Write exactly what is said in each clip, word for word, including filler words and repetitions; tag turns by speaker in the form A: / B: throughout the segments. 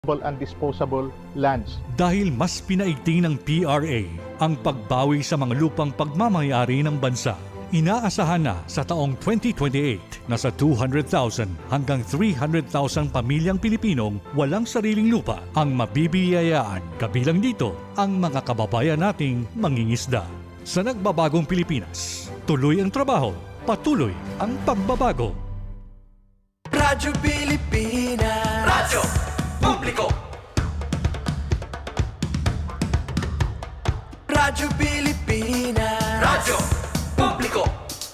A: and disposable lands.
B: Dahil mas pinaigting ng P R A ang pagbawi sa mga lupang pagmamayari ng bansa, inaasahan na sa taong twenty twenty-eight na sa two hundred thousand hanggang three hundred thousand pamilyang Pilipinong walang sariling lupa ang mabibiyayaan. Kabilang dito ang mga kababayan nating mangingisda. Sa nagbabagong Pilipinas, tuloy ang trabaho, patuloy ang pagbabago.
C: Radyo Pilipinas, Radyo Publiko. Radyo Pilipinas, Radyo Publiko.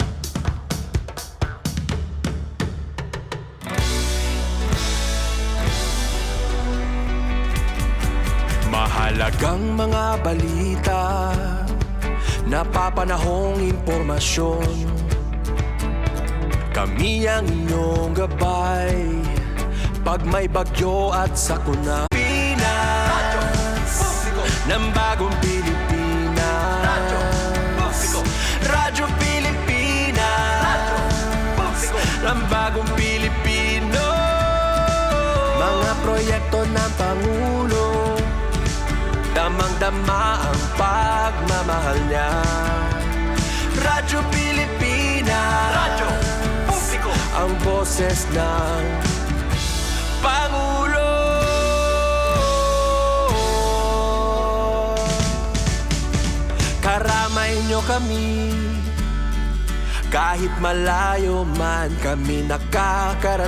C: Mahalagang mga balita, napapanahong impormasyon. Kami ang inyong gabay pag may bagyo at sakuna. Pinas ng bagong Pilipinas. Radyo Pilipinas ng bagong Pilipino. Mga proyekto ng Pangulo, damang-dama ang pagmamahal niya. Radyo Pilipinas, Radyo Publiko, ang boses ng Pangulo. Karamay nyo kami, kahit malayo man kami nakakarating.